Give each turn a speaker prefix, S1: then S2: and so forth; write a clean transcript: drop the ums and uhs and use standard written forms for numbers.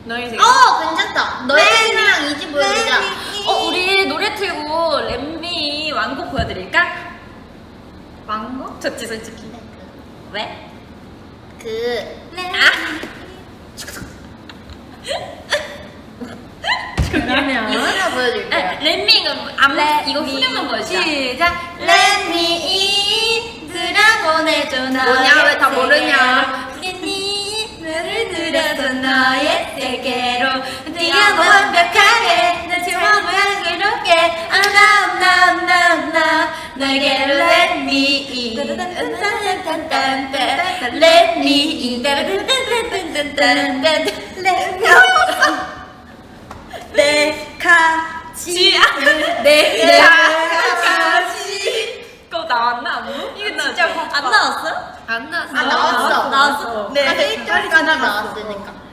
S1: 너희 셋.
S2: 괜찮다. 너희 셋이랑 이집 보여주자.
S1: 우리 노래 틀고 렛미 완곡 보여드릴까?
S2: 왕거?
S1: 좋지 솔직히. 왜?
S2: 그러면 이슬아 보여줄게요.
S1: 렛미 이거 후렴만 보여주자.
S2: 시작.
S1: Let me in 보내줘
S2: 뭐냐, 왜 다 모르냐.
S1: 눈을 들여서 너의 세계로 네가 완벽하게 날 채워봐야 그렇게 나 너에게로 let me in let me in 내가 같이 그거 나왔나 안무? 이거 진짜 안 나왔어?
S2: 안 나왔어.
S1: 나왔어.
S2: 네. 데이트까지 나왔으니까.